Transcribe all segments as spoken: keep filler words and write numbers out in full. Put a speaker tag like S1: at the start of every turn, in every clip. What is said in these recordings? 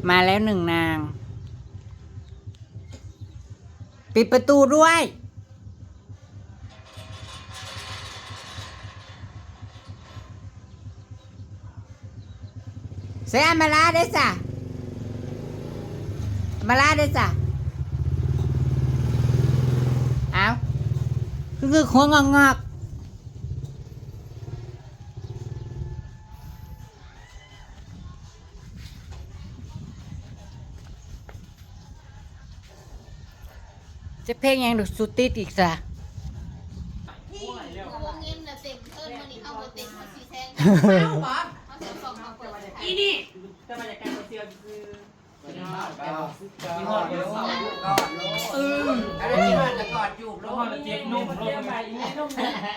S1: มาแล้วหนึ่งนางปิดประตูด้วยเสียมาลาได้จ้ะมาลาได้จ้ะเอาคือคือหัวงอกงอกจะเพลงยังดูสุดติดอีกจ้ะ
S2: อีนี่จะมาจากการเซียวคือยี่ห้อเดียวกอดเอออะไรที่ว่าจะกอดจูบแล้วก็เจ็บนุ่มลงไปอีนี่นุ่ม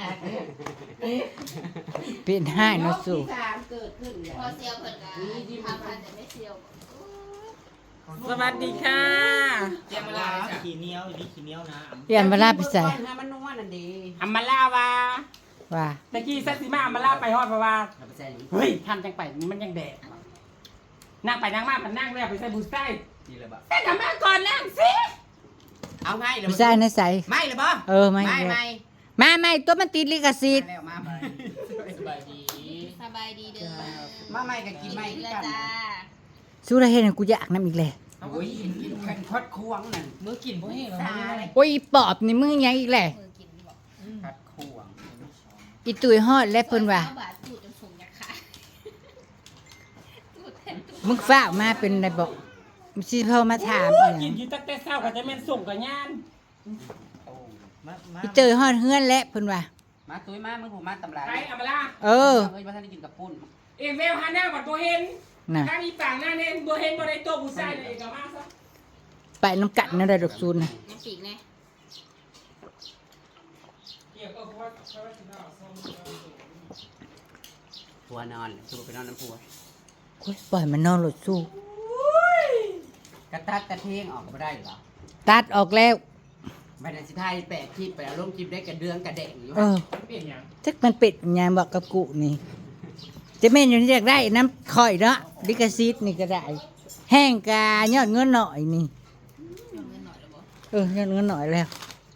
S1: เป็นให้นะสู่
S3: พอเซียวเพิ่นก็ทำพันแต่ไม่เซียว
S2: สวัสดีค่ะ
S4: เจียมมาลาขี้เหนียวอยู่นี่ขี้เหนียวนะ
S1: เปลี่ยนมาลาไปใส่
S2: มันนัวนั่นดีอัมมาลาวา
S1: ว่า
S2: ตะกี้ซัตซิมาอัมมาลาไปฮอดเพราะว่าเฮ้ยทำจังไปมันยังแดดนั่งไปนั่งมามันนั่งแล้วไปใส่บูสไต้แต่กลับมาก่อนนั่งสิเอาไง
S1: ไม่ใช่นะใส่
S2: ไม่เลยบ่
S1: เออไม่
S2: ไม่ไม่
S1: ไม่ไม่ตัวมันติดลิขสิทธิ์
S2: แล้วมาสบายดี
S3: สบายดีเด้อ
S2: มาไม่ก็กินไม่
S3: กิน
S2: กั
S3: ละ
S2: น
S3: จ้า
S1: สู้ได้เห็นกูอยากน้ำอีกเลย
S2: โอ้ยกินกันทอดควงนั่นมือกินพวกนี้เหรอ
S1: โอ้ยปอบนี่มึงยังอีกแหละ
S3: มือกินบอก
S2: ทอดควง
S1: อีตุยฮอดและเพิ่นว่า
S3: บาทจูดจนสูงยักษ์ขาจูดแทนจูด
S1: มึงฝ้ากมาเป็นไรบอกมึงสิเพิ่มาถามอีห
S2: กิ
S1: ยั
S2: น
S1: ง
S2: อยู่ตั้งแต่เช้าก็จะแม่นส่งกับย่าน
S1: อีเตยฮอดเฮือนและเพิ่นว่า
S5: มาตุ้ยมามึงผูมาตำรา
S2: ไปอัมมาลา
S1: เออ
S5: เฮ้ยมาท่านได้กินกับปุ้น
S2: เอ็มเวลฮาแนลกับตัวเห็น
S1: น่ะ
S2: ถ้ามีต่างหน้าเน้นตัวเห็นบ่ได้ตัวผู้ชายเลยกับมาซะ
S1: ไปน้ำกัดนั่นได้ดอกซูนน่ะ
S3: น้ำปีกแน่
S2: เกี่ยวกับว่าเขาว่าสิเอาซ่อม
S5: ผัวนอนสู้ไปนอนน้ำผัว
S1: โอ้ยปล่อยมันนอนหลดสู้
S5: กระตัดกระเทงออกมาได้เหรอ
S1: ตัดออกแล้ว
S5: ไม่ได้สิไทยแปะคลิปไปเอาลงคลิปได้กระเดืองกระเดงอยู่
S1: เออ
S2: เปลี่ยนอย่าง
S1: จักมันเป็ดยามบอกกับกูนี่จะแม่นอยู่นี่อยากได้น้ำข่อยเนาะลิขสิทธิ์นี่ก็ได้ แห้งกายอดเงินหน่อยนี่
S3: เงินหน่อยหรือบ่
S1: เออยอดเงินหน่อยแล้ว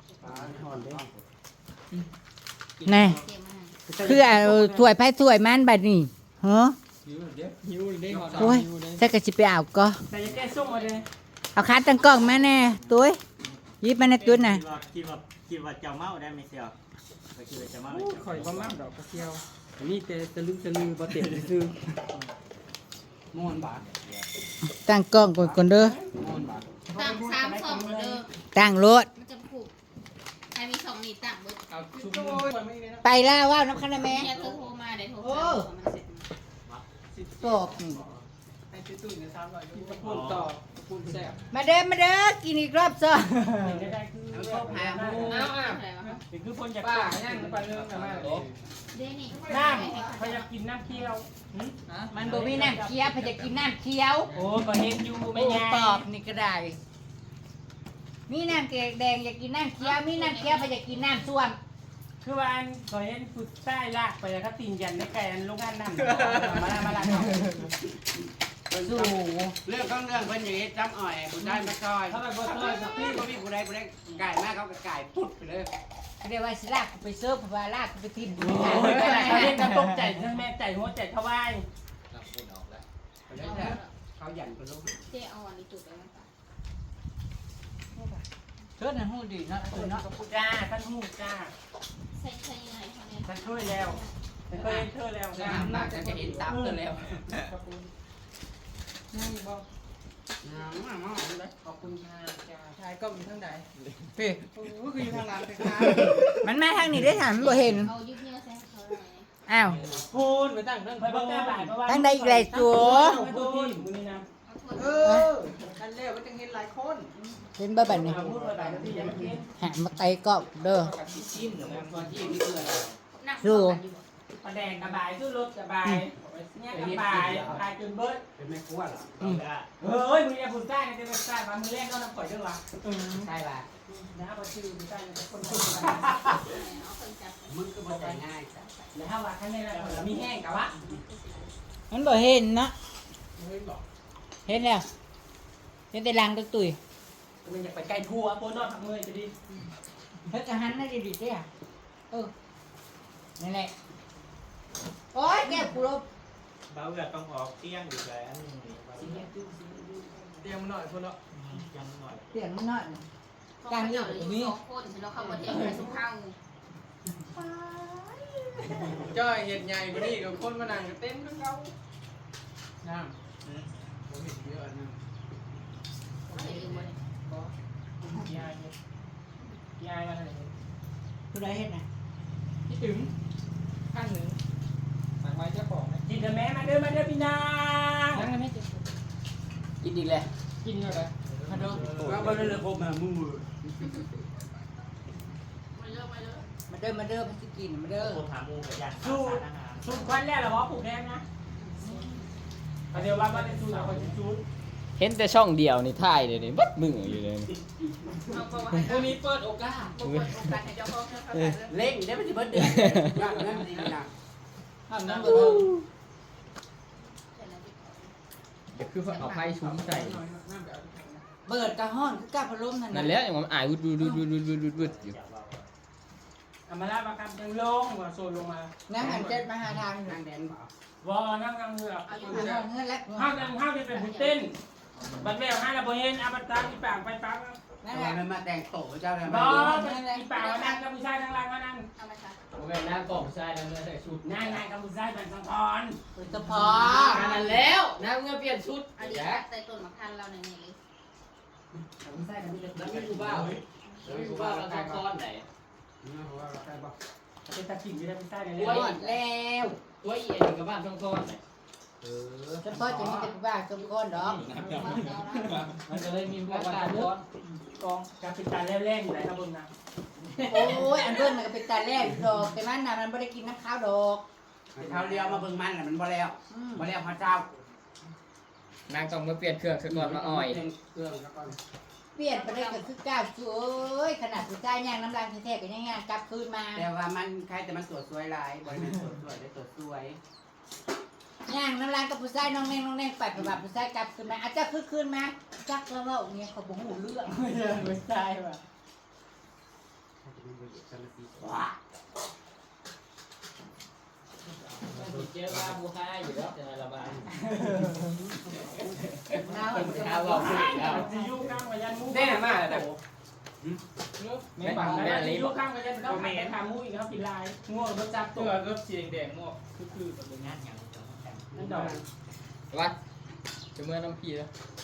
S1: แน่
S3: เตรียมมา
S1: คือเอาถ้วยไผ่ถ้วยมันบัดนี้ฮะ
S4: หิวได้หอด
S1: โอ้ยถ้าก็สิไปเอาก็
S2: แต่จะแก้ส้มมาเลย
S1: เอาขาตั้งกล้องมาแน่ตุ้ยหยิบมาในตุ้ยน่ะ
S4: คิดว่าคิดว่าเจ้าเมาได้ไหมเสี่ยวไปคิดว่าเจ้าเมา
S2: ข่อยบ่มากดอกกระเทียวอันนี้แต่ตะลึงตะลือบ่เต็มซื่อ
S5: ม่วนบาท
S1: ตั้งกล้องก่อนก่อนเด้อ
S5: ม่วนบาท
S3: ตั้งสามสองเด้อ
S1: ตั้งรถ
S3: มันจะผูกใครมีสองนี่ตั้งเบิด
S2: เอาชุบ
S1: ไปแล้วว่าวน้ำคันนะแม่
S3: แม่เธอโทรมาเดี๋ยวโทรมามันเสร็จ
S1: ตอบนี่
S2: ไอ้ตุ้ยๆเนี่ยสามร้อยอยู่พูดต่อพูดแซ่บ
S1: มาเด้อมาเด้อกินอีกรอบซะ
S2: ได้คือ
S5: เอาเข้าหาหมู
S2: เอาอ่ะ
S3: อะไรวะ
S2: นี่คือคนจากป้าย่างไปเรื่องกันมา
S3: เดนี่
S2: น้ำพยายามกินน้ำเคี่ยว
S1: มันบ่มีน้ำเคี้ยวเพอจะกินน้ำเคี้ยว
S2: โอ้ก็เห็นอยู่ไม่ยา
S1: ตอบนี่ก็ได้มีน้ำแกงแดงอยากกินน้ำเคี้ยวมีน้ำเคี้ยวเพอจะกินน้ำส้วม
S2: คือว่าอันก็เห็นฟุตใต้ลากไปแล้วก็ตีนยันได้ไกลอันลูกอันนั่นมาละมาละ
S1: สู้
S5: เรื่องของเรื่องเพิ่นอย่างนี้จำอ่อยผู้ได้มาซอย
S2: เขาแบบว่าซอยสัก
S5: พี่
S2: ที่
S5: ก็มีผู้ใดผู้ใดไก่มากเขาก็ไก่พุดไปเลย
S1: เรียกว่าสิลากกูไปเซิร์ฟเพราะว่าลากกูไปทิ่มกู
S2: โอ้ยเขาเล่นกันตกใจแม่ใจหัวใจทวาย
S5: เขาหยันไปลูก
S3: เจ๊เอาอันนี้จุดไปมั้งปะ
S1: เชิดน่ะฮู้ดีเนาะเออเนาะ
S2: จ้าท่านหูจ้า
S3: ใช่ใช่ยังไงเขาเนี่ย
S2: ท่านช่วยแล้วท่านเคยเธอแล้ว
S5: น้ำหนักจะเห็นตับกันแล้ว
S2: นั่งบอก
S5: น้ำมากเลย
S2: ขอบคุณค่ะจ้าชายก็มีทั้งใด
S1: พี่
S2: โอ้คืออยู่ทางหลังเลยค่ะ
S1: มันมาทางนี้ได้ถามมันบ่เห็น
S3: เอายึดเนี่ยใส่เขาหน่อย
S1: อ้าว
S2: พูนไปตั้งเรื่องไปบ้างแต่บ่ายเพราะว่า
S1: ตั้งได้อีกหลายตัว
S2: ตัวที่อยู่นี่นะ
S3: เอ
S2: ออันเร็วมันจะเห็นหลายคน
S1: เห็นบ่บัดนี้
S2: พูดไปหลายที่ยังกิน
S1: หามาไตก็เด้อ
S5: ชิมหรือว่าที่นี่คืออะไร
S1: สู้
S2: ประแดงกระบายสู้รถกระบายเนี่ยกระบายกายจนเบิร์ด
S5: เป็นแม่ครัวเหรอ
S2: เฮ้ยมึงอย่าพูดใต้นะจะเป็นใต้มามือแรกก็น้ำปล่อยด้วยวะ
S5: ใช่ป่ะ
S2: นะพอชื่อมึงใต้จะคนคน
S3: เอาคนจับ
S5: มึงก็บ่ใจง่ายจ้ะ
S2: แล้วถ้าว่าข้างในเรามีแห้งกับวะ
S1: มันบ่เห็นเนาะ
S2: เฮ้ยบอก
S1: มเห็นแล้วเห็นแต่ลังตะตุย
S2: มันอยากไปไกลทัวร์โปนอนทำเมื่อยจะดี
S1: เฮ้ยกระหันน่าจะดีเด้อเออนั่นแหละโอ๊ยแก้วกูลบ
S4: เบาเอือต้องออกเที่ยงอยู่แล้วนี่
S2: เตรียมหน่อยคนละ
S4: ยังหน่อย
S1: เสียงมันน้อยน่ะ
S3: การเลือกมีสองคนฉันเราเข้าประเทศไปสุขเฮา
S2: จ้อยเห็ดใหญ่กว่านี้กับคนมานั่งเต็มทั้งเขาน้ำผมเห็นเยอะอันนึง
S3: เห็นอยู่บ่เนี่ย
S2: ยายยายมาไหน
S1: ผู้ใดเห็นน่ะ
S2: พี่ถึงขั้นหนึ่งสั่งไว้เจ้าของกินเถอะแม่มาเด้อมาเด้อพี่นางนั่งกันไหม
S5: กินอีกแล้ว
S2: กินเถอะเลยมาเด้อ
S5: ว่าบ่ได้เลยผมมามือ
S3: มาเลิกมาเลิก
S1: มาเด้อมาเด้อมาสิกินมาเด้อ
S4: คนหามูกับยา
S2: สู้
S4: สารอาหาร
S2: สู้ควันแรกเหรอวะปลูกแดงนะเดี๋ยวว่าว่าได้สู้หลังคนจะสู้
S6: เห็นแต่ช่องเดียวนี่ถ่ายเลยนี่บัดมืออยู่เลยนี่
S3: เอาประวัติ
S2: พรุ่งนี้เปิดโอกาส
S3: เปิดโอกาสให้เจ้าของเข้าใจเลย
S5: เล่งได้มันสิเบิดเดือนย่างนั้นดีนะ
S1: ห้ามน้ำบ่เทิง
S6: เดี๋ยวคือเอาไพ่ชุ้มใส่
S1: เปิดกระห้อนคือกระพัดลมนั่น
S6: นั่
S1: น่ะ
S6: นแหล้วอย่างมันอายวุดวุดวุดวุดวุดวุดวุดวุดอยู่
S2: อามาลาประกันยังลงว่าโซนลงมา
S1: นั่งหันเจ็ดมาหาทางอยู่
S5: นางแดนบ่
S2: วอนั่งนั่งเรือ
S1: หาทางเงินแล้ว
S2: ห้าวนั่งห้าวจะเป็นผู้เต้นบัดแมวห้าระเบิดอาบัตตาที่ปากไปปัง
S1: นั่น
S5: แต่
S1: แห
S5: ว่า
S1: ละ
S5: มันมาแต่งโตเจ้าแล้ว
S2: บอที่ปากว่านั่งกับผู้ชายนั่งล่างว่านั่ง
S3: เอามาค่ะ
S6: โอเคหน้ากล่องใช่แล้วเนื้อใส่ชุด
S2: นั่งนั่งกับผู้ชายเป็นสังทอน
S1: เปิดกระเพา
S6: นั่นแล้วน้าเมื่อเปลี่ยนชุด
S3: อันนี้
S6: แจ๊ะ
S3: ใต้ต้นมะขามเราเนี่ยเลย
S6: แล้วไม่รู้บ้าแล้วไม่รู้บ้าเราต้องก้อนไหน
S2: เป็นตะกิ่งที่ได้ผู้ชายใน
S1: ห
S2: เรื่
S1: ม
S2: อง
S1: ดแล้ว
S6: ตัวอีเอ็นกับบ้านต้องก้อนไหน
S5: เออ
S1: เฉพาะจะมีแต่ผู้บ้าสมก้อนดอก
S6: มันจะเลยมีพวกการก้อน
S2: กองกับเป็นตาแร่ๆอยู่ไหนครับบนนะ
S1: โอ้ยอันเบิ้ลมันก็เป็นตาแรกดอกแต่มันน่ะมันไม่ได้กินน้ำข้าวดอก
S5: เท้าเลี้ยวมาเบิ่งมันน่ะมันบ่แล้ว
S1: อืม
S5: บ่แล้วพระเจ้าน
S6: างต้องมาเปลี่ยนเครื่องซะก่อนมาอ่อย
S5: เครื่องซะก่อน
S1: เปลี่ยนไปได้ก็คือก้าวสวยขนาดผู้ชายย่างน้ำลายแท้ๆก็ยังย่างกลับคืนมา
S5: แต่ว่ามันใครแต่มันสวยสวยหลายบ่ได้สวยสวยได้สวยสวย
S1: ย่างน้ำลายกับผู้ชายน้องแนงน้องแนงไปไปแบบผู้ชายกลับคืนมาอาจจะคือคืนมาจักแล้วว่าเนี่ยเขาบอกหูเรื่อง
S2: ไม่ใช่ผู้ชายว่ะ
S1: ว้า
S6: เจ้าบ้าบูค่าอยู่แล้วจะระบาย
S1: น้า
S6: ข้าวบอกผู้หญิงแล้ว
S2: จะยุ่งข้างกับยันมู
S6: แน่มากเลย
S2: ไม่ปังนะจะยุ่งข้างกับยันต้องไปทำมูอีกเขากินลายง่วงรถจับตัวรถเสียงแดงง่วงคือคือ
S4: เป็นงานอย่างจะต้องแต่ง
S2: นั่นดอก
S6: วัดจะเมื่อน้ำพีแล้ว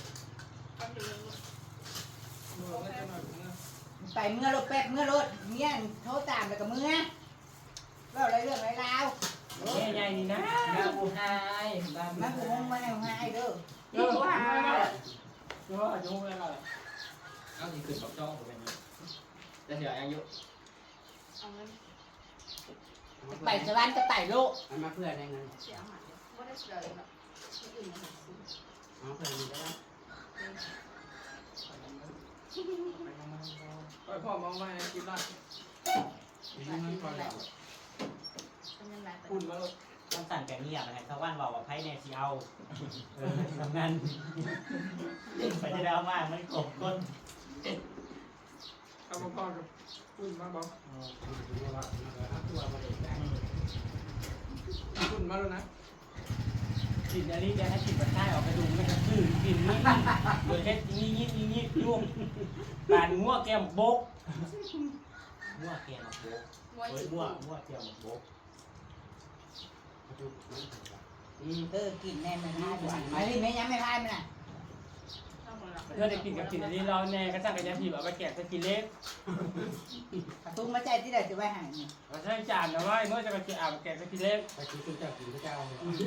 S1: ไปเมื่อรถแป๊บเมื่อรถเนี่ยโทรตามแล้วก็เมื่อเราอะไรเรื่องอะไรราว
S2: ใหญ่ๆนี่นะ
S6: บ้าบูค่าบ้า
S1: มาหูมงมาแนวให้เด้อ
S2: เออว่าเออจะพูดอะไร
S6: เอาสิขึ้นกับจ้องผมเป็นจะเสียอายุ
S3: เอาเงิน
S1: ไปสวรรค์ก็ไปโลก
S5: มันมาเพื่อนได้เงิน
S3: เสียหายไม่ได้เสียเลยแบบที่อื่นมา
S5: เอาเพื่อนมีได้
S2: ไปพ่อมองมากินได้
S5: มีเงินก่อนแล้ว
S3: เป็นยังไง
S2: คุณมาลูก
S4: ต้องสั่นกันเงียบนะชาวบ้านบอกว่าไพ่เนี่ยสิเอาเออทำงานไปจะได้เอามากมันกบก้น
S2: เอาพ่อกับคุณมาบอกคุณมาแล้วนะกินอันนี้จะให้กินแบบใต้ออกไปดูมันจะตื่นกินนี่โดยเฮ็ดนี่นี่นี่นี่ยุ่งปานงัวแก้มบก
S4: มั่วเกมมาโบก
S3: มวย
S4: เฮ้ยมั่วมั่วเกมมาโบก
S1: อืมเออกินแน่มันน่าหวานอันนี้แม่ยังไม่พายมันน่ะ
S2: เธอได้กินกับกินอันนี้เราแน่ก็จ้างกันยาทีแบบไปแกะสกินเล็ก
S1: ตุ้งมาใจที่ไหนจะไปหาเนี่ย
S2: เราใช้จานนะว่าเมื่อจะไปกินอ่าวแกะสกินเล็ก
S5: ไปกินตุ้งเจ้ากินเจ้า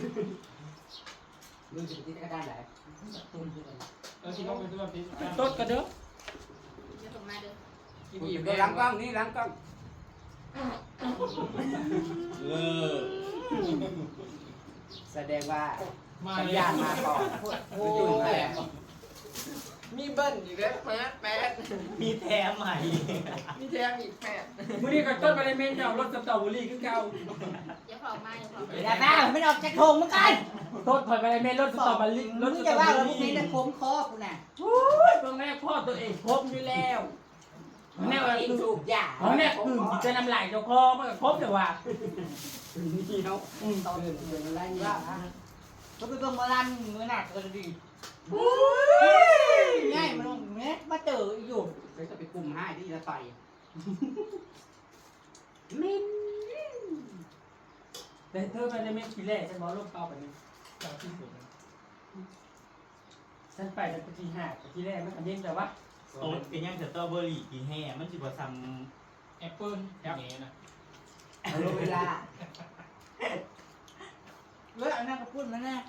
S5: มึงจะไปกินก็ได้แหละ
S2: เรากินต้องไปตัวพิษต้นกันเด้อ
S3: เดี๋ยวผมมาเด้อ
S2: กิน
S5: กู
S2: อี
S5: อยู่
S2: ก
S5: ในหลังกล้องนี่หลังกล้องแสดงว่า
S2: มา
S5: สัญ
S2: เลย
S5: ญาณมาก่อน
S1: โอ้
S5: อยู่
S1: ย
S5: แหละ
S2: มีเบิ้ลอีกแล้วมาแปด
S4: มีแถมใหม่
S2: มีแถมอีกแปด
S7: มื้อนี้ก็ต้นไปในเมนเจ้ารถสตรอเบอรี่คือเก่า
S3: อย่าเผามาอย่าเผา
S1: อย่าบ้าไม่ออกจากโถงเหมือนกัน
S7: ต้นถอยไปในเมนรถสตรอเบอรี่รถ
S1: มึ
S7: ส
S1: ง
S7: ตร
S1: จะ
S7: อเบ
S1: ว่า
S7: อ
S1: เราพวก
S7: รี่
S1: นี้จะโค้งคอกูน่ะ
S7: โอ้ยตรงแรกพ่อตัวเองครบอยู่แล้วแน่ว่า
S5: กิน
S7: คือ
S5: สูบยา
S7: เขาเนี่ยคือจะนำลายเจ้าคอมันก็ครบแต่ว่า
S5: นี่เนาะตอนเดินเดินอะไรนี่
S1: ก็ไปเบิ่งหมาลันมือหนักก็ดีง่ายมันลงเนี้ยมาเจออยู่
S5: เลยจะไปกลุ่มให้ที่จะต่อยมิน
S7: แต่เธอไปในเมนทีแรกฉันบอกลูกเป้าไปนี่
S6: เจ้าที่สุด
S7: ฉันไปแต่ทีห้าแต่ทีแรกมันก็เย็นแต่ว่า
S4: โต๊ดเป็นยังสตรอเบอรี่กินแห่มันสิบ่ซ้
S6: แอปเปิ้ลอย่างนี้นะ
S5: เอาเวลา
S1: เว้ยอันนั้นก็พูดมาแน่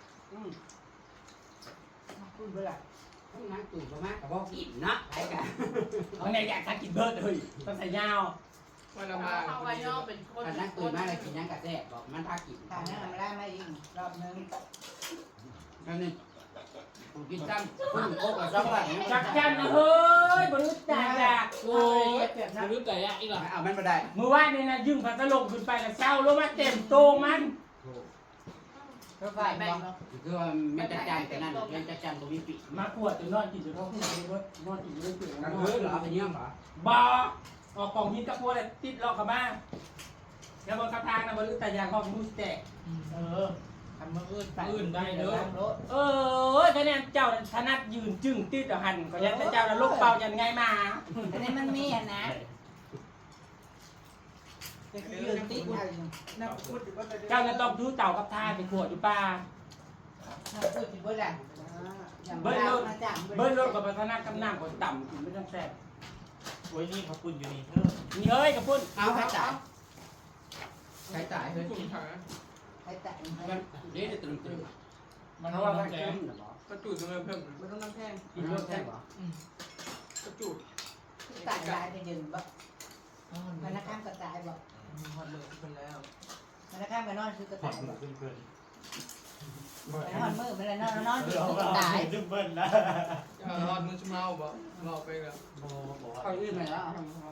S1: พูดไปละ
S5: ต้องนั่งตื่นมากกับบอกกินนะไปกัน
S7: เอาไงอยากทานกินเบิร์ดเลยต้องใส่ยาว
S2: วันละมา
S3: เอาไว้นอกเป็นคน
S5: กันนั่งตื่นมากเลยกินยังกระแทกบอกมันพากิน
S1: ทางนั้นไม่ได้ไม่ยิงรอบนึง
S5: นั่นนี่ผมกินจ้ำพุ่งโคกกับจ้ำว่า
S7: จักจันนะเฮ้ยบริสุทธิ์ใจอ่ะ
S1: โอ้ยเปรียบนะ
S6: รู้แต่ยะอีกหรอ
S5: เอามันมาได้
S7: มือว่านนี่นะยืมพัดลมขึ้นไปแล้วเศร้าลงมาเต็มโตมัน
S1: ก็ไป
S3: แบ่
S1: บ
S3: ง
S1: อก
S3: เนาะ
S5: คือว่าไม่จัดจานแต่นั่นยังจัดจานตรงนี้ปิด
S7: มาขวดจนนอนกินจนท้องเลยเว้ยนอนกินจนเปลือย
S5: กันเฮ้ยเหรอไปเยี่ยมเหรอ
S7: บ่ออกกล่องหินตะโพนติดล็อกกับบ้านแล้วบนกระทางนะบนแต่ยางห้องมูสแตก
S1: เออทำมืออื่นไป
S6: อื่นได้เลย
S7: เออคะแนนเจ้าถนัดยืนจึงติดเอาหันก็ยันแต่เจ้าน่ะลกเป่ายันไงมา
S1: อันนี้มันมีอ่ะนะจะยืนติ๊กอะไรอยู่น่าพูดถึงว่าจะ
S7: เจ้าจะต้องดูเต่ากับทานไปขวดอยู่ป่า
S1: น่าพูดถึงว่าอะไร
S7: เบิ้ลรถเบิ้ลรถกับพัฒนากำนังก็ต่ำกินไม่ต้องแซ่บ
S4: ำโอ้ยนี่เขาปุ่นอยู่นี่เธอ
S7: นี่เฮ้ยกับพุ่น
S5: เอาใครจ่ายใครจ่ายเฮ้ย
S2: กลุ่มขา
S1: ใครแต่ง
S5: มันเดี๋ยวจะตื่นตื่น
S6: มัน
S5: เพ
S6: เพ
S5: ราะ
S6: ราะ
S5: ว่า
S6: ว่า
S5: มัน
S6: แก
S5: เข้มเหรอก
S2: ระจุดมันเพิ่ม
S1: ไม่ต้องน้ำแข็ง
S7: กินรถแซ่บ
S5: เหรอก
S2: ระจุด
S1: ตายลายไปยืนบ่มันนักข้ามกระจายบ่
S2: หอดเลยเป็นแล้ว
S1: มันนักข้ามไปนอนคือกระ
S4: ขอ
S1: จา
S4: บ
S1: ย
S4: คุณ
S1: บ่
S4: เพื่อนเพื่อน
S1: ไปนอนมือไปนอนนอน
S4: ๆ
S1: คื
S4: เดี๋ยว
S1: อกระ
S4: เรา
S1: จาย
S4: ดึงเบิ้ลนะ
S2: อย่ารอดมือชุ่มเมาบ่รอไปแล้ว
S4: โอ้บอก
S5: เขา
S4: ว่า
S5: อื่นไปแล้ว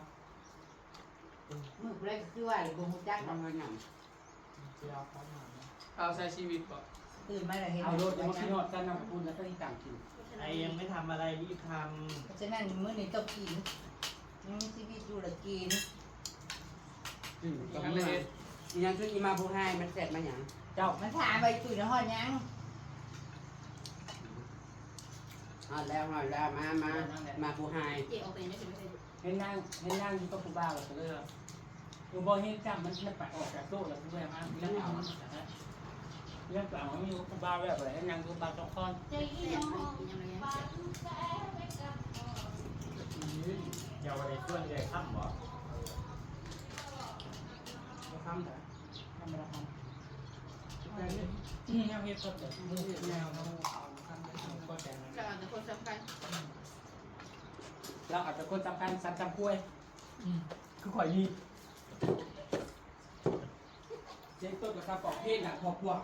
S1: มือเล็กคือว่าบ่ฮู้จัก
S5: ทำเงินอย่าง
S2: เอาใช้ชีวิตบ่
S1: ตื่นมาแล้วเห็น
S7: เอารถมาขี้นอดกันนำคุณแล้วก็ที่ต่างกิน
S4: ไอ้ยังไม่ทำอะไรรีบท
S1: เพราะฉะนั้นมื้อนี้ต้องกินยังมีชีวิตอยู่ละกิน
S5: อืมก็ไม่ยังช่วยอีมาผู้ให้มันเสร็จมาอย่าง
S7: เจ้า
S1: มันถามไปตุ้ยในห้องยัง
S5: ฮอดแล้วฮอดแล้วมามามาผู้ให้
S3: เจ๊ออกไปไม่ถึงไม่ถึง
S7: เห็นนั่งเห็นนั่งอยู่กับผู้บ่าวก็เลยกูบอกเห็นจับมันมันไปออกจากโต๊ะแล้วกูแบบเรื่องเอาเรื่องเอาไม่อยู่ผู้บ่าวแบบไหนนั่งดูบ่าวสองคน
S3: เจ๊ยังไม่ยังไม่ยัง
S4: ำเยาวในช่วงเลยค่ำบ่
S5: ทำแต่
S1: ทำอะไรท
S6: นี่ยังเฮ็ดก็แต่มือแนวน้องก็แต่
S3: เราอาจจะคนสำคัญ
S7: เราอาจจะคนสำคัญสัตว์จำกล้วยคือข่อยมีเจ๊ต้นกับข้าวปอกเพศน่ะพอพวก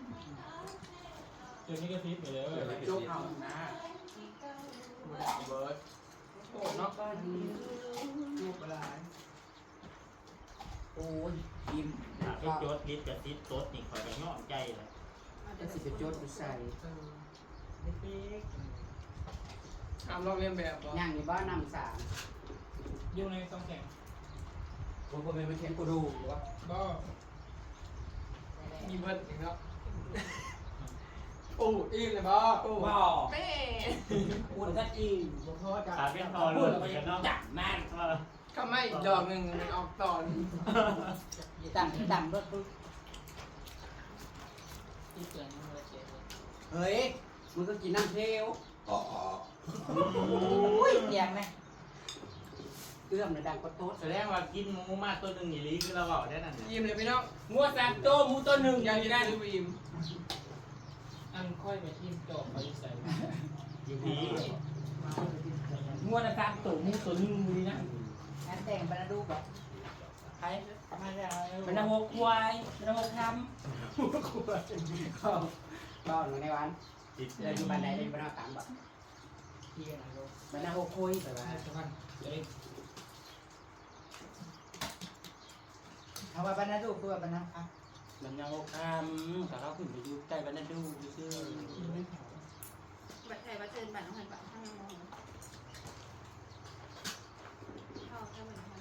S6: ตัวนี้ก็ทิพย์ไปเลย
S7: โจ๊กเอานะ
S2: เบิร์ดโอ้นอกบ้านลูกอะไร
S5: โอ้ยยิ้ม
S4: ถ้าไปโจทย์ลิดกับติดโต๊ดนี่คอยจะย่อใจเลย
S5: จะสิไปโจทย์ใส่
S2: ทำลอกเลียนแบบบ่
S5: ย่างในบ้านนำสาม
S6: อยู่ในต้องแข่ง
S5: ผมก็เป็นเทียนกูดูว่า
S6: ก็
S2: มีเบิร์ดอีกแล้วโอ้อิ่มเลยบ่โอ้
S7: บ่
S2: แม่
S7: อุ่นก็อีก
S2: บ่พอจ้ะ
S4: ขาเป็นพอ
S7: พู
S4: รุ่
S7: ด
S4: น
S7: แล้ว
S4: ไป
S7: ก็ยั
S4: กัน
S7: ง
S4: เนาะ
S7: จับมัน
S2: ก็ไม่อีกดอกหนึ่งมันออกตอน
S1: ำต่ำต่ำรถปุ๊บ
S6: ที่เกินมันเจ็บ
S5: เฮ้ยมึงก็กินน้ำเทล
S1: อุ้ยเสียงไหม
S5: เอื้อมเลยดังก็โต๊ด
S4: แสดงว่ากินหมูมากตัวหนึ่งอย่างนี้คือเราเอาได้นั่นเนี่ย
S2: อิ่มเลยพี่น้อง
S7: งัวสามโตมูตัวหนึ่งอ
S2: ยั
S7: ย่าง ง
S2: กิ
S7: นี้
S2: น
S7: ได้
S2: ได้ดูอิ่ม
S6: อันค่อยไปทิมจบไปใส่
S4: อยู่ดี
S7: งัวนะสามโตมูตัวหนึ่งมือนะ
S1: งานแต่งบรรดูแบบ
S7: ใคร
S1: มาแล้ว
S7: มันนำหกควายมันนำหกค
S5: ก็ก็หนูในวัน
S4: ติด
S5: เดินอยู่บ้านใดเดินบ้านนอกตามบ่
S7: ำ
S2: ที่นะลูก
S5: มันน่าโอคุยแต่ว่า
S2: สะพานเล็ก
S1: เอาว่าบรรณาดูคือว่าบรรณาอ่ะ
S7: มันยังโอคามแต่เราขึ้นไปดูใกล้บ้านนั่นดูซื่อ
S3: บัตรไทยบัตรเชิญบัตรน้องหันบัตรข้างมองเข้าแค่เหมือนกัน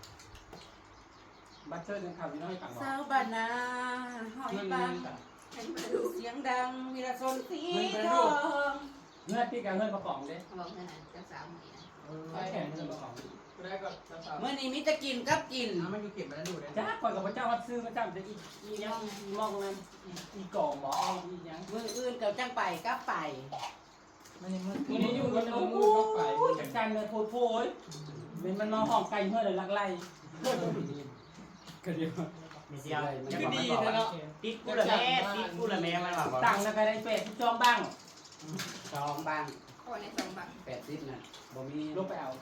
S7: บัตเตอร์นึงข่าวพี่น้อยต่างบอก
S5: สาวบานาหอย
S7: เงิน
S5: ปัง
S3: ให้มาดู
S5: เสียงดังมีระสนสีทอง
S7: เงื่อนพี่กับเงื่อนประกอบเด้
S3: เขาบอกเงินอ่ะจะสามหมื่น
S7: ใช่แข่งเงื่อนประกอบ
S2: ได้ก็จะสาว
S5: เมื่อนี้มิจะกินกับกิน
S2: เอามันอยู่เก็บมาแล้วดูได้
S7: จ้าก่อนกับพระเจ้าวัดซื้อพระเจ้าจะอีอียังอีมองนั้นอีก่อหมออียัง
S5: มืออื่นกับจังไปกับไป
S1: มันนี่มัน
S7: วันนี้อยู่กันโอ้โหจัดการเลยโพดโพยเป็นมันมาห้องไก่เมื่อเลยลักไล่
S2: ก็เดียว
S4: มีเสียว
S2: คือดีนะเนาะ
S4: ติดกูละแม่ติดกูละแม่มันว่า
S7: ตังค์นะก็ได้เป็ดที่จองบ้าง
S5: สองบาง
S3: ข้อในสองบาท
S5: แปดสิบน่ะบ่มี
S7: ลงไปเอา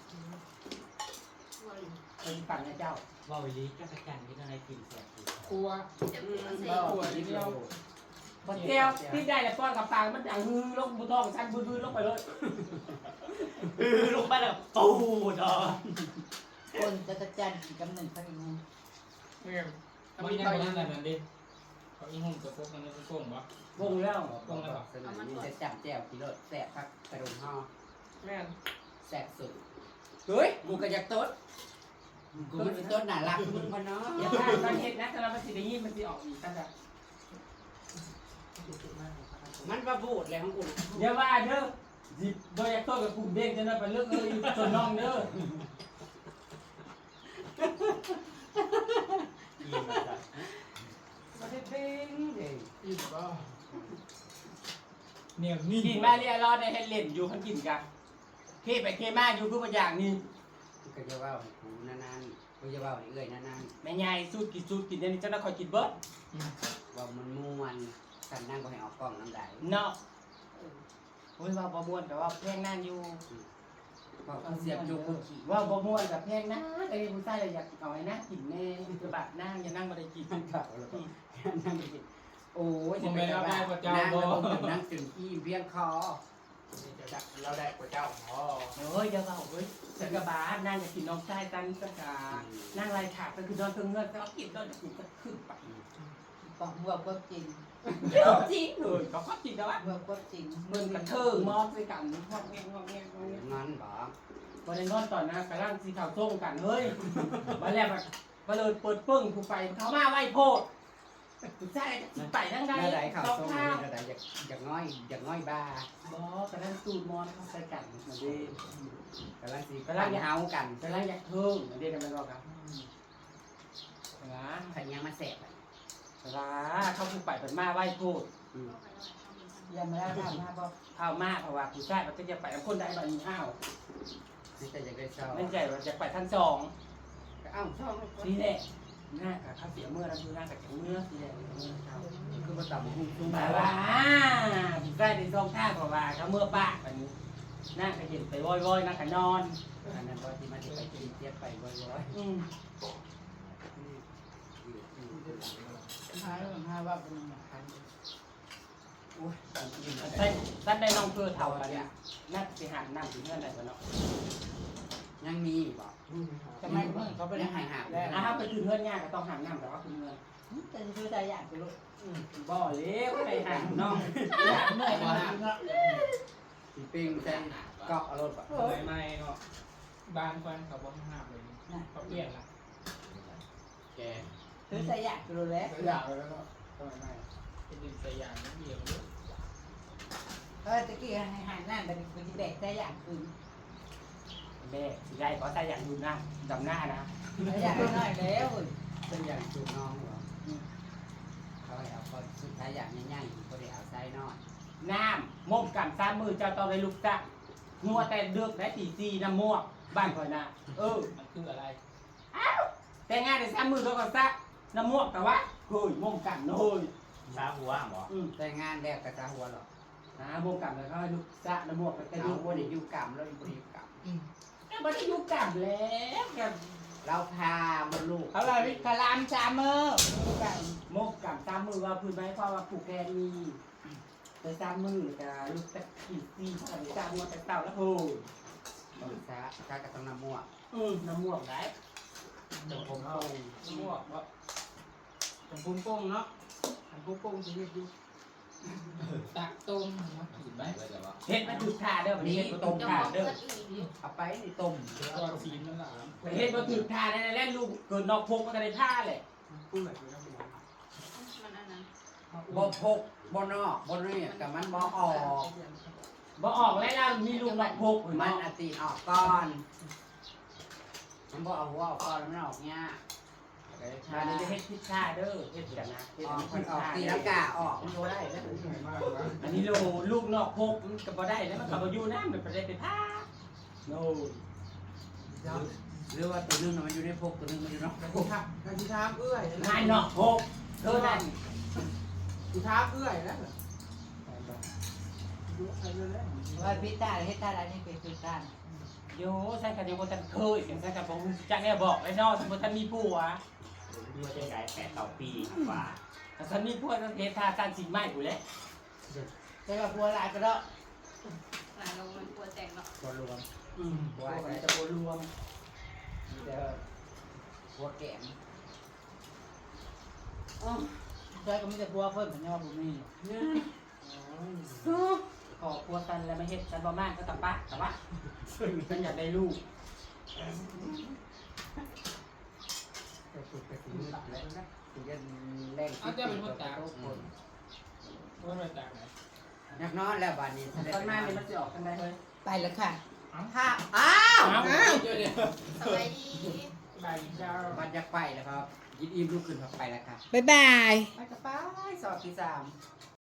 S7: ไปปั่นนะเจ้า
S4: ว่าวิลีจักรจันทร์ที่ต้องได้กินเสีย
S2: ครัว
S3: เจ็บปวดเสีย
S2: ครัวนิดเดียว
S7: พอเจียวที่ได้แต่ป้อนกับปางมันอย่างฮือลงบุทองชั้นบื้อๆลงไปเลย
S4: เออลงไปแล้วปูดอก
S1: คนจะจะจันอีกกำหนึ่งสักอีกนึง
S2: เนี่ยมันยังยังนั่นดิเขาอีหุ่นกับพวกนั้นก็โกงวะ
S7: วงแล้ว
S2: โกงแล้ว
S5: สนามนี้จะจับแจ่วกิโลแสบพักกระดุมห่อ
S2: แม่น
S5: แสบสุดเฮ้ยกูก็อยากต้นกูมันสิต้นน่ารักมึงพอเนาะ
S7: อย่าพลาดมันเห็ดนะแต่เรามันสิได้ยินมันสิออกอีกกันจ้ะ
S5: มันประบูดเลยของกู
S7: อย่าว่าเด้อจิบโดยยักษ์ต้นกับกลุ่มเด้งจะนั่นไปเลือกเลยจนน้องเด้อ
S4: กินแบบ
S5: มาได้เด้งเด้ง
S2: อิ่มก็เนี่ยนี่
S7: กินมาเรียรอดในเฮดเล่นอยู่ขันกินกันเคไปเคมาอยู่คือประอย่างนี้
S5: กูก็จะว่าให้กูนานๆกูจะว่าให้เอ้ยนาน
S7: แม่ยายสูตรกินสูตรกินเดี๋ยวนี้เจ้าหน้าคอยกินเบิร์ด
S5: ๆว่ามันม่วนกันนั่งก็ให้ออกกล้องน้ำได้
S7: เนาะโอ้ยว่าบ่ม่วนแต่ว่าแพงนั่นอยู่
S5: เพราะเขาเสียบจุกกูขี่
S7: ว่าบ่ม่วนกับแพงนะแต่ผู้ชายเลยอยากเอาให้นั่งกินแน่จะบาดนั่งอย่านั่งบ่ได้กิน
S5: มันเก่าแล้วก็นั่งไปกินโอ้ย
S2: ผมไม่รับได้กว่าเจ้า
S5: นั่ง
S2: บ่
S5: แล้วผมนั่งจนขี้เพี้ยงคอ
S2: เราได้กว่าเจ้าอ๋อ
S7: เฮ้ยอย่าเบาเฮ้ยฉันกับบาสนั่งจะกินน้องชายกันสักกานั่งไล่ถากก็คือนอนเพิ่งเงินก็กินนอนจะกินก็ขึ้นไป
S1: บอกเมื่อก็จริง
S7: เดี๋ยวจริงเลยเขาก็กินแล้วอ่ะ
S1: เมื่อก็จริง
S7: มึงกระเทิงมอบด้วยกันงอกแงงงอกแงงงอกแงง
S5: งอนบอก
S7: วันนี้นอนตอนนะกระล่างสีขาวส้มกันเฮ้ยมาแล้วแบบมาเลยเปิดปึ้งกูไปเขามาไหวโพดกูใช่จิไปทั้งใด
S5: เมื่อไหร่ข่าว
S7: สอง
S5: ส่ง
S7: ข้าว
S5: เมื่อไหร่อยากอยากง่อยอยากง่อยบ้า
S7: บอกกระล่างสูตรมอนเขาใส่กันมาดี
S5: กำลังสิกำลังเฮากัน
S7: กระล่างอยากเทิงมาดีกันไปบอกครับนะ
S5: ขันยังมาแสบอ่ะ
S7: นะเขาผู้ไปเป็นมาไหวโพด
S5: อืม
S1: ยังไม่ได้ทำมาบอก
S7: เอามาเพราะว่าผู้ชายมันจะไปกับคนใดแบบนี้อ้าว
S5: นี่แต่อยากได้เศร้า
S7: ไม่ใจว่าจะไปทั้งสอง
S5: เอ้าช่อง
S7: นี่แหละหน้ากับข้าวเสียเมื่อแล้วคือหน้ากับเมื่อสีแดง
S5: คือมาต่ำหุ้มซุ้ม
S7: มาว่าผู้ชายในซองท่าเพราะว่าเขาเมื่อป้าแบบนี้หน้าก็เห็นไปว้อยๆหน้าก็นอน
S5: อันนั้นพอที่มาจะไปกินเจี๊ยบไปร้อย
S7: อืม
S1: หาเรื่องหาว่าเป็นคัน
S7: ใช่ท่านได้น้องเพื่อเท่ากันเนี่ยน่าจะหาน้ำถึงเงื่อนไหนกันเนาะ
S5: ยังมีบอก
S1: ทำไมเมื่อเขาไปได้หายหาแล้ว
S7: อ่ะถ้าไปถึงเงื่อนยากก็ต้องหาน้ำแต่ว่าคือเงื่อน
S1: แต่คือใจอยากไปลูก
S7: บ่อเล็กไปหาน้อง
S1: อยากเมื่อยมาเนาะ
S5: สีปิ้งแซงเกาะรถแบบ
S2: ไม่ไม่เนาะบ้านควันเขาบ่ห้ามเลยเขาเปลี่ยนละ
S5: แก
S1: คือใจอยากไปลูกแล้ว
S2: อยากเลยแล้วก็ทำไมไม่เป็นดินสยามนั่นเองเลย
S1: เออตะกี้ให้หายนั่นแต่กูจะแบกใจอยากคืน
S7: แม่สิได้ขอใส่อย่างดูหน้าดำหน้านะ
S1: ใจอยากน้อยแล้ว
S5: เป็นอย่างจูบน้องเหรอเขาให้เอาคนสุดท้ายอย่างง่ายๆก็ได้เอาไส้นอน
S7: น้ำม่วงกันสามมือเจ้าต้องได้ลูกจ้ะงัวแต่เดือกได้ตีซีน้ำม่วงบ้านข่อยนะเออ
S2: มันคืออะไร
S7: แต่งานได้สามมือเขาก็ซักน้ำม่วงแต่ว่าเฮ้ยม่วงกันเฮ้ย
S4: สาหัวหมอ
S7: อืม
S5: แต่งานแรกกระจ้าหัวหรอก
S7: นะม่วงกันแล้วก็ให้ลูกจ้ะน้ำม่วงก็จะ
S5: เอา
S7: ลูก
S5: ว่าได้อยู่กรรมแล้วอยู่กรรม
S7: ก็ไม่ได้อยู่กับแล้วกัน
S5: เราพามาลูก
S1: เอาเลยกะลามชาเมอร์
S7: ม่วงกันสามมือว่าพื้นไม้เพราะว่าผูกแกนมีไปสร้างมือกับลูกตะกี้ซีทำสร้างมาแต่เต่าแล้วโห
S5: ต้นซาซากับต้องน้ำมั่ว
S7: อืมน้ำม่วงได้
S6: เดี๋ยวผมเอาลวกว่าผมพุ่งโป้งเนาะผมพุ่งโป้งจะเรียกดูตักต้มมาขีดไปเลยเดี๋ยวว่า
S7: เฮ็ดมาจุดท่าเด้อนี่ต้ม
S3: เจ้า
S7: ท่า
S3: ของ
S7: เด้อ
S3: เกิดอีกอยู่
S5: เอาไปนี่ต้ม
S6: ตอนซีนนั่นแหละ
S7: เฮ็ดมาจุดท่าได้แล้วลูกเกิดนอกพกมันก็ได้ท่าแหละ
S6: พูดแบบนี้นะ
S3: มันอันนั้น
S5: บ่พกบ่นอกบ่นี่กับมันบ่ออก
S7: บ่ออกแล้วล่ะมีลูกนอกพก
S5: มันอติออกก่อนมันบ่เอาหัวออกก่อนมันออกเงี้ย
S7: มาเดี๋ยวจะเฮ็ดพิซซ่าเด้อเฮ็ดกันนะเฮ็ด
S5: ออก
S7: พิ
S5: มัน
S7: ซ
S5: ออก
S7: ซ่า
S5: ตีลังกาออกมันโตได้แล้ว
S7: อันนี้ลูกลูกนอกพกมันก็บ่ได้แล้วมันก็บ่อยู่นะมันบ่ได้ไปท่าโน่
S5: หรือว่าตัวนึงมันอยู่ในพกตัวนึงมันอยู่นอก
S6: กูทักการที่ทามเอื้อย
S7: งานนอกพกเธอนั่น
S6: กูทามเอื้อยแล้ว
S1: ว่าพิซซ่าเฮ็ดท่าอะไรนี่เป็นพิซซ่า
S7: โยใส่กันเดียวบ่ทันเคยเสียงใส่กันบ่จักแน่บอกไอ้นอกสมมุติท่านมีผัว
S4: ดูว่าจะไกลแปดต่อปีกว่า
S7: ถ้าท่านมีผัวต้องเฮ็ดท่าการสินไม้อยู่แล้ว
S1: แต่ว่าพัวหลายก็ได้
S3: หลายลงมันปวดแตกเนาะ
S5: ตัวรวม
S7: อืมผัวมันจะบ่รวม
S5: มีแต่หัวแกม
S1: อ๋อใช่ก็มีแต่พัวเพิ่นเหมือนยอบ่มี
S7: ขอผัวกันแล้วไม่เฮ็ดกันบ่มากก็ตะปะตะปะฉันอยากได้ลูก
S5: แต่สุดก็สิมีแล้วนะสิจะแรงทุกคน
S6: ว่ามันจากไหน
S5: นักนอนแล้วบัดนี้
S7: ตอนมาเนี่ยมันจะออกกันได้เลย
S1: ไปแล้วค่ะ
S5: ถ้าอ้าว
S6: เดี๋ยวเดี๋ยว
S3: สบายดี
S6: ใบเจ้า
S5: บัดอยากไปแล้วครับยินอิ่มลุกขึ้นครับไปแล้วครับ
S1: บ๊ายบาย
S5: ไปกับไปสอบที่สาม